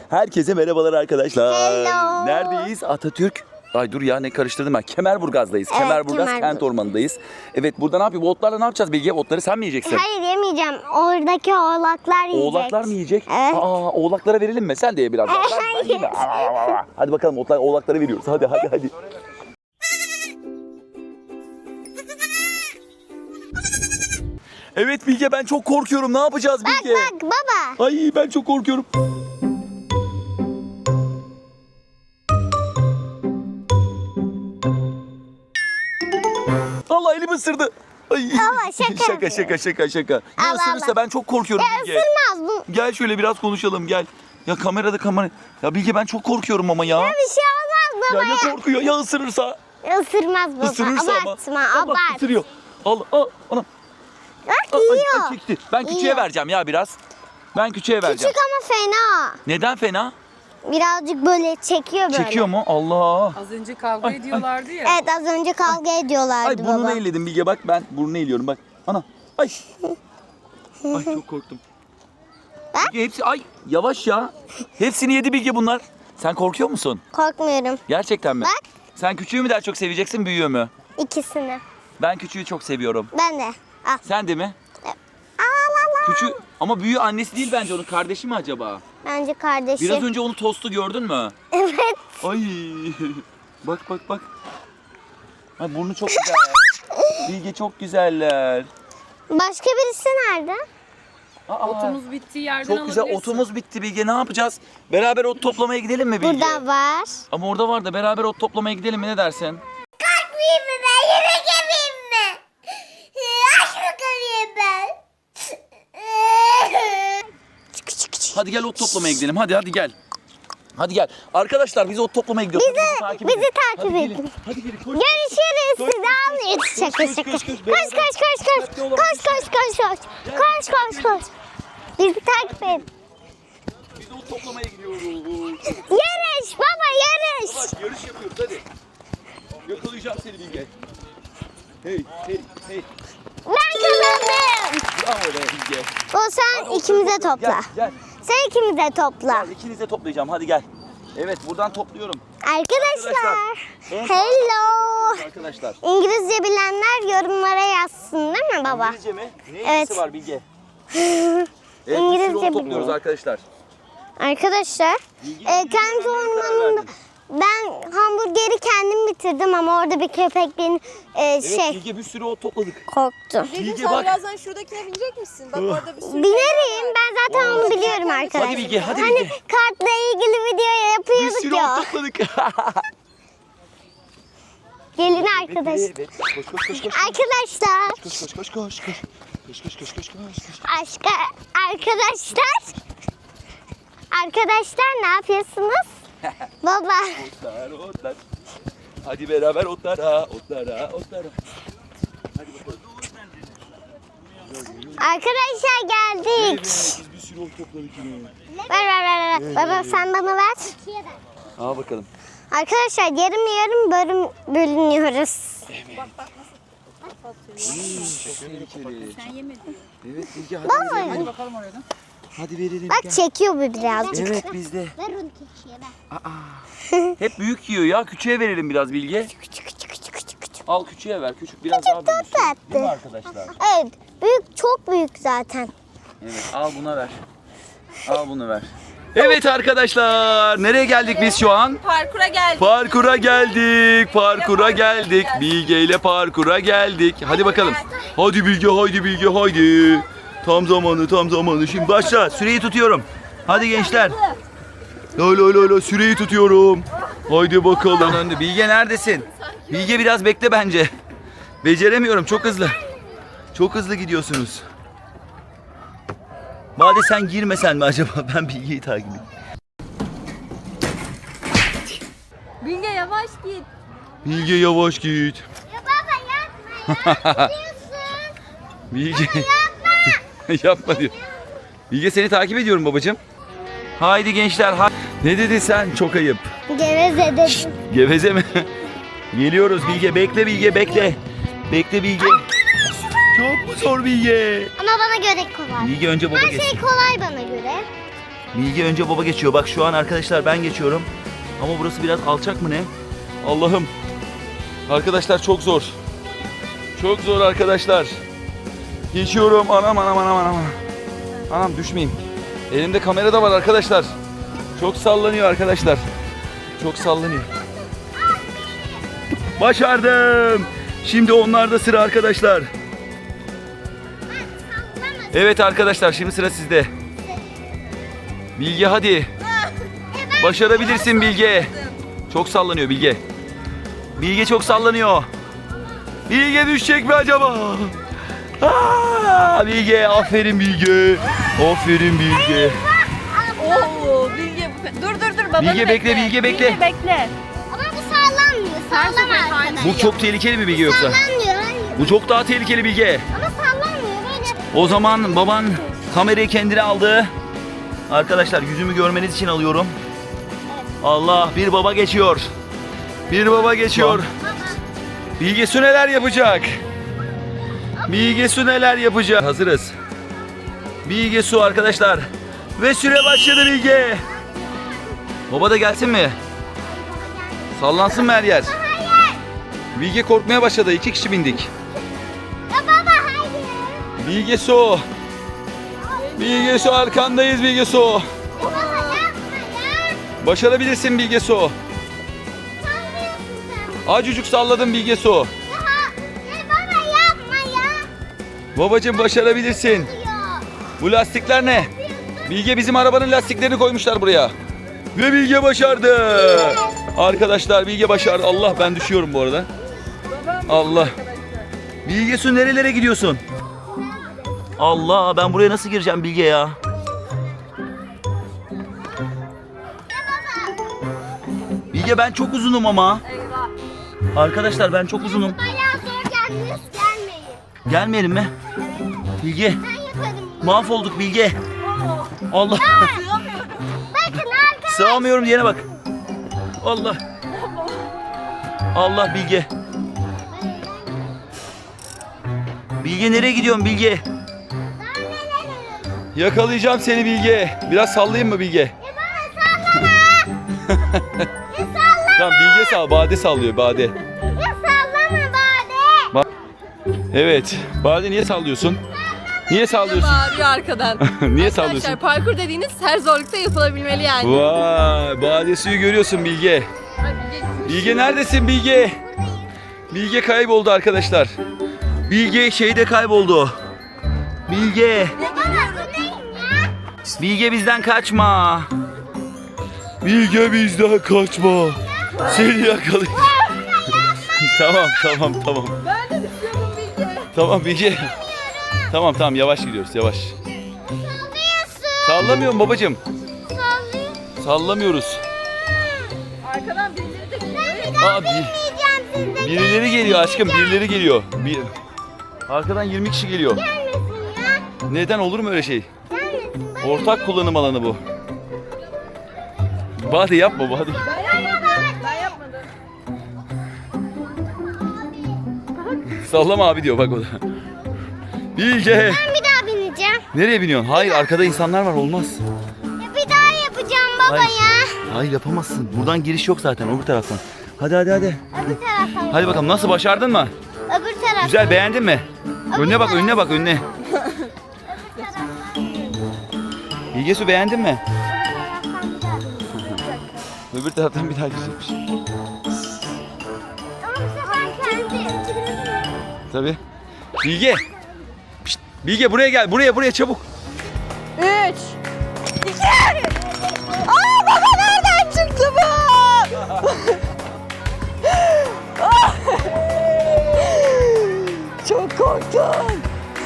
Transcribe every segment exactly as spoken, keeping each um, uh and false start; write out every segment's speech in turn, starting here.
Herkese merhabalar arkadaşlar. Hello. Neredeyiz? Atatürk. Ay dur ya ne karıştırdım ben. Kemerburgaz'dayız. Evet, Kemerburgaz Kemerburgaz. Kent Ormanı'ndayız. Evet burada ne yapıyor? Bu otlarla ne yapacağız Bilge? Otları sen mi yiyeceksin? Hayır yemeyeceğim. Oradaki oğlaklar yiyecek. Oğlaklar mı yiyecek? Evet. Aa, oğlaklara verelim mi? Sen de ye biraz. Ben- ben Hayır. yiyeyim mi? Hadi bakalım otlar, oğlaklara veriyoruz. Hadi hadi hadi. Evet Bilge ben çok korkuyorum. Ne yapacağız Bak Bilge? bak baba. Ay ben çok korkuyorum. Allah elimi ısırdı. Ay. Ama şaka şaka yapıyor. şaka şaka şaka. Ya Allah ısırırsa Allah. ben çok korkuyorum Ya Bilge. ısırmaz bu. Gel şöyle biraz konuşalım gel. Ya kamerada kamera. Ya Bilge ben çok korkuyorum ama ya. Bir şey olmaz Ya baba ya ya. korkuyor ya ısırırsa. Isırmaz baba. Isırırsa ama. Abartma Aa, bak, abart. ısırıyor. Al al anam. Bak Aa, ay, yiyor. ay, çekti. Ben küçüğe Yiyor. vereceğim ya biraz. Ben küçüğe vereceğim. Küçük ama fena. Neden fena? Birazcık böyle çekiyor böyle. Çekiyor mu? Allah. Az önce kavga Ay, ediyorlardı ya. Evet az önce kavga ediyorlardı Ay baba. burnunu eğledim Bilge bak ben burnunu eğliyorum bak. Ana. Ay. Ay çok korktum. Bak. Bilge hepsi ay yavaş ya. Hepsini yedi Bilge bunlar. Sen korkuyor musun? Korkmuyorum. Gerçekten mi? Bak. Sen küçüğü mü daha çok seveceksin büyüğü mü? İkisini. Ben küçüğü çok seviyorum. Ben de. Al. Sen de mi? Al al al. Küçüğü ama büyüğü annesi değil bence onun kardeşi mi acaba? Bence kardeşi. Biraz önce onu tostu gördün mü? Evet. Ay. Bak bak bak. Ay burnu çok güzel. Bilge çok güzeller. Başka birisi nerede? Aa, Otumuz bittiği yerden çok güzel alabilirsin. otumuz bitti Bilge ne yapacağız? Beraber ot toplamaya gidelim mi Bilge? Burada var. Ama orada var da beraber ot toplamaya gidelim mi ne dersin? Kalkmayayım mı ben? Yemek yemeyeyim mi? Aç bakalım ben. Hadi gel ot toplamaya gidelim hadi hadi gel. Hadi gel. Arkadaşlar biz ot toplamaya gidiyoruz. Bizi- Hadi takip bizi edin. takip Hadi edin. gelin. Hadi gelin. Koş. Görüşürüz. Koş, Sizi koş, almayız. koş, Şaka koş, şaka. koş, Koş koş, koş koş koş. Dikkatli olun. Koş koş koş koş. Koş koş koş. Bizi takip edin. Biz ot toplamaya gidiyoruz. Yarış baba yarış. Bak yarış yapıyoruz hadi. Yakalayacağım seni Bilge. Hey hey hey. Ben kazandım. Bravo be Bilge. O sen ikimize topla. Gel gel. Sen ikimize topla. Gel ikinize toplayacağım hadi gel. Evet buradan topluyorum. Arkadaşlar. En- Hello. Arkadaşlar. İngilizce bilenler yorumlara yazsın değil mi baba? İngilizce mi? Ne Evet. ilgisi var Bilge? Evet, bir sürü İngilizce ot topluyoruz biliyor. arkadaşlar. Arkadaşlar, Bilgi- e, bilgi kent vermeye karar ormanında verdim. ben hamburgeri kendim bitirdim ama orada bir köpek beni e, Evet şey Bilge bir sürü ot topladık. korktu. Bilge Bilge sen bak. birazdan şuradakine binecek misin? Bak orada bir sürü şey Binerim ben zaten onu biliyorum arkadaşlar. Hadi Bilge, hadi Hani Bilge. kartla ilgili video Bir yapıyorduk sürü ya. ot topladık. Gelin arkadaş. Evet, evet. Koş koş koş koş. Arkadaşlar, Koş koş koş koş koş. Koş koş koş koş koş. aşka, arkadaşlar. Arkadaşlar ne yapıyorsunuz? Baba. Otlar otlar. Hadi beraber otlara otlara otlara. Hadi bakalım. Arkadaşlar geldik. Evet biz bir sürü ot topladık yine. Ver ver ver. ver. Baba sen bana ver. Al bakalım. Arkadaşlar yarım yarım bölüm bölünüyoruz. Çok tehlikeli. Sen yemedin. Evet Bilge hadi Baba. verelim. Hadi bakalım oradan. Hadi verelim. Bak gel. çekiyor bu birazcık. Evet bizde. Ver onu keçiye ver. Aa. Hep büyük yiyor ya. Küçüğe verelim biraz Bilge. Küçük küçük küçük küçük küçük. Al küçüğe ver. Küçük biraz daha büyüsün. tatlı. Değil mi arkadaşlar? Evet büyük çok büyük zaten. Evet al buna ver. Al bunu ver. Evet arkadaşlar. Nereye geldik biz şu an? Parkura geldik. Parkura geldik. Parkura geldik. Bilge ile parkura geldik. Hadi bakalım. Hadi Bilge, haydi Bilge, haydi. Tam zamanı, tam zamanı. Şimdi başla. Süreyi tutuyorum. Hadi gençler. Lo lo lo lo süreyi tutuyorum. Haydi bakalım. Önde. Bilge neredesin? Bilge biraz bekle bence. Beceremiyorum. Çok hızlı. Çok hızlı gidiyorsunuz. Bade sen girmesen mi acaba? Ben Bilge'yi takip edeyim. Bilge yavaş git. Bilge yavaş git. Ya baba yapma ya. Bilge. Yapma diyor. Bilge seni takip ediyorum babacığım. Haydi gençler. hay- Ne dedin sen? Çok ayıp. Geveze dedim. Geveze mi? Geliyoruz Bilge. Bekle Bilge bekle. Bekle Bilge. Çok mu zor Bilge? Ama bana göre kolay. Bilge önce baba Her geçsin. şey kolay bana göre. Bilge önce baba geçiyor. Bak şu an arkadaşlar ben geçiyorum. Ama burası biraz alçak mı ne? Allah'ım. Arkadaşlar çok zor. Çok zor arkadaşlar. Geçiyorum. Anam anam anam anam. Anam düşmeyeyim. Elimde kamera da var arkadaşlar. Çok sallanıyor arkadaşlar. Çok sallanıyor. Başardım. Şimdi onlarda sıra arkadaşlar. Evet arkadaşlar şimdi sıra sizde. Bilge hadi. Başarabilirsin Bilge. Çok sallanıyor Bilge. Bilge çok sallanıyor. Bilge düşecek mi acaba? Aa, Bilge aferin Bilge. Aferin Bilge. Oo Bilge. Dur dur dur babanı Bilge bekle, Bilge bekle. Bilge bekle. Ama bu sallanmıyor. Sallama arkadaşlar. Bu çok tehlikeli mi Bilge yoksa? Sallanmıyor. Hayır. Bu çok daha tehlikeli Bilge. Ama sallanmıyor. Böyle. O zaman baban kamerayı kendine aldı. Arkadaşlar yüzümü görmeniz için alıyorum. Allah, bir baba geçiyor. Bir baba geçiyor. Bilge Su neler yapacak? Bilge Su neler yapacak? Hazırız. Bilge Su arkadaşlar. Ve süre başladı Bilge. Baba da gelsin mi? Sallansın mı her yer? Bilge korkmaya başladı. İki kişi bindik. Ya baba hayır. Bilge Su. Bilge Su arkandayız Bilge Su. Baba yapma ya. Başarabilirsin Bilge Su. Sallıyorsun sen. Acucuk salladım Bilge Su. Ya, ya baba yapma ya. Babacım başarabilirsin. Diyor. Bu lastikler ne? Bilge bizim arabanın lastiklerini koymuşlar buraya. Ve Bilge başardı. Arkadaşlar Bilge başardı. Allah ben düşüyorum bu arada. Allah. Bilge Su nerelere gidiyorsun? Allah ben buraya nasıl gireceğim Bilge ya? Bilge ben çok uzunum ama. Eyvah. Arkadaşlar ben çok uzunum. Bayağı zor geldiniz gelmeyin. Gelmeyelim mi? Bilge Ben yaparım. mahvolduk Bilge. Allah. Bakın arkadaşlar. Sığamıyorum diyene bak. Allah. Allah Bilge. Bilge nereye gidiyorsun Bilge? Yakalayacağım seni Bilge. Biraz sallayayım mı Bilge? Ya baba sallama. Ya sallama. Tamam Bilge sal, Bade sallıyor Bade. Ya sallama bari. Bak. Evet. Bade niye sallıyorsun? Niye sallıyorsun? Bağırıyor arkadan. Niye sallıyorsun? Arkadaşlar parkur dediğiniz her zorlukta yapılabilmeli yani. Vay, Bade suyu görüyorsun Bilge. Ay, Bilge, Bilge neredesin Bilge? Bilge kayboldu arkadaşlar. Bilge şeyde kayboldu. Bilge. Ya baba bu neyim ya? Bilge bizden kaçma. Bilge bizden kaçma. Seni yakalayacağım. Tamam tamam tamam. Ben de düşüyorum Bilge. Tamam Bilge. Tamam tamam yavaş gidiyoruz yavaş. Sallıyorsun. Sallamıyorum babacığım. Sallıyorsun. Sallamıyoruz. Arkadan birileri de geliyor. Ben bir daha Abi binmeyeceğim sizde. birileri geliyor aşkım birileri geliyor. Bir... Arkadan yirmi kişi geliyor. Gelmesin ya. Neden olur mu öyle şey? Gelmesin. Ben Ortak kullanım alanı bu. Bade yapma Bade. Ben yapmadım. Ben yapmadım. Sallama abi diyor bak o da. Bilge. Ben bir daha bineceğim. Nereye biniyorsun? Hayır arkada insanlar var olmaz. Ya bir daha yapacağım baba Hayır. ya. Hayır yapamazsın. Buradan giriş yok zaten öbür taraftan. Hadi hadi hadi. Öbür tarafa. Hadi bakalım nasıl başardın mı? Öbür tarafa. Güzel beğendin mi? Önüne bak önüne bak önüne. Bilge Su beğendin mi? Öbür taraftan bir daha girecekmiş. Ama bu sefer kendi. Tabii. Bilge. Pişt, Bilge buraya gel. Buraya buraya çabuk. Üç. İki. Aa baba nereden çıktı bu? Çok korktum.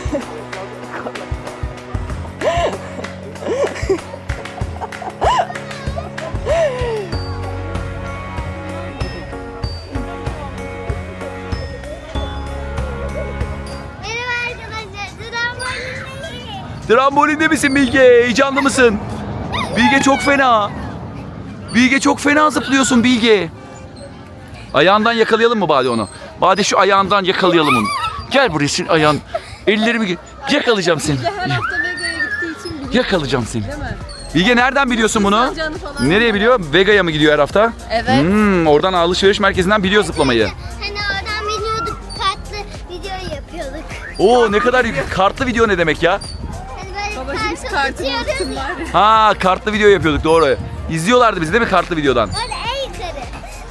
Merhaba arkadaşlar. Trambolindeyiz. Trambolinde misin Bilge? Heyecanlı mısın? Bilge çok fena. Bilge çok fena zıplıyorsun Bilge. Ayağından yakalayalım mı Bade onu? Bade şu ayağından yakalayalım onu. Gel buraya senin ayağın. Ellerimi ge- yakalayacağım seni. Bilge her hafta Mega'ya gittiği için biliyor. Yakalayacağım seni. Değil mi? Bilge nereden biliyorsun bunu? Zıplayacağını falan. Nereye biliyor? Vega'ya mı gidiyor her hafta? Evet. Hmm, oradan alışveriş merkezinden biliyor zıplamayı. Hani oradan biliyorduk, kartlı video yapıyorduk. Oo ne kadar yük- kartlı video ne demek ya? Hani böyle Babacığım biz kartı kartını tutuyoruz unuttum ya. var ya. Ha kartlı video yapıyorduk doğru. İzliyorlardı bizi değil mi kartlı videodan? Orada en yukarı.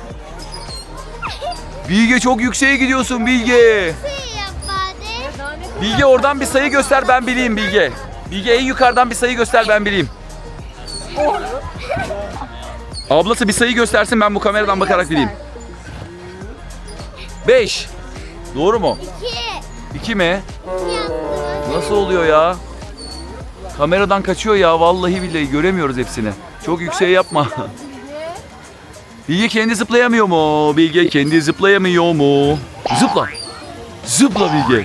Bilge çok yükseğe gidiyorsun Bilge. Şey yap bari. Daha ne kadar- Bilge oradan bir sayı göster ben bileyim Bilge. Bilge en yukarıdan bir sayı göster ben bileyim. Ablası bir sayı göstersin ben bu kameradan bakarak bileyim. Beş. Doğru mu? İki. İki mi? İki yaptım. Nasıl oluyor ya? Kameradan kaçıyor ya vallahi billahi göremiyoruz hepsini. Çok yükseğe yapma. Bilge kendi zıplayamıyor mu? Bilge kendi zıplayamıyor mu? Zıpla. Zıpla Bilge.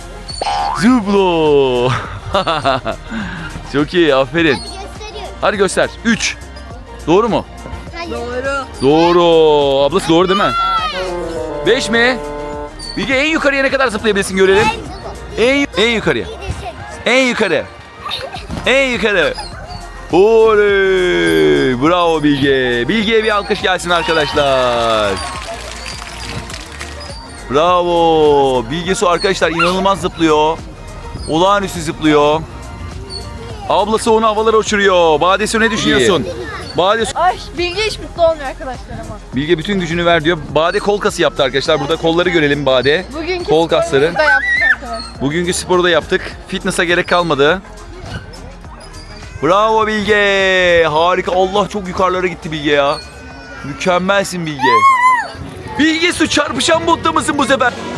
Zıpla. Çok iyi aferin. Hadi gösteriyorum. Hadi göster. Üç. Doğru mu? Hayır. Doğru. Doğru. Ablası doğru değil mi? Beş mi? Bilge en yukarıya ne kadar zıplayabilirsin görelim. En, en yukarıya. Bir de şey. En yukarı. En yukarı. Oley! Bravo Bilge. Bilge'ye bir alkış gelsin arkadaşlar. Bravo. Bilge Su arkadaşlar inanılmaz zıplıyor. Olağanüstü zıplıyor. Ablası onu havalara uçuruyor. Bade Su ne düşünüyorsun? Bade Su- Ay Bilge hiç mutlu olmuyor arkadaşlar ama. Bilge bütün gücünü ver diyor. Bade kol kası yaptı arkadaşlar. Burada kolları görelim Bade. Bugünkü Kol kasları. sporumuzu da yaptık arkadaşlar. Bugünkü sporu da yaptık. Fitness'a gerek kalmadı. Bravo Bilge. Harika. Allah çok yukarılara gitti Bilge ya. Mükemmelsin Bilge. Bilge Su çarpışan modda mısın bu sefer?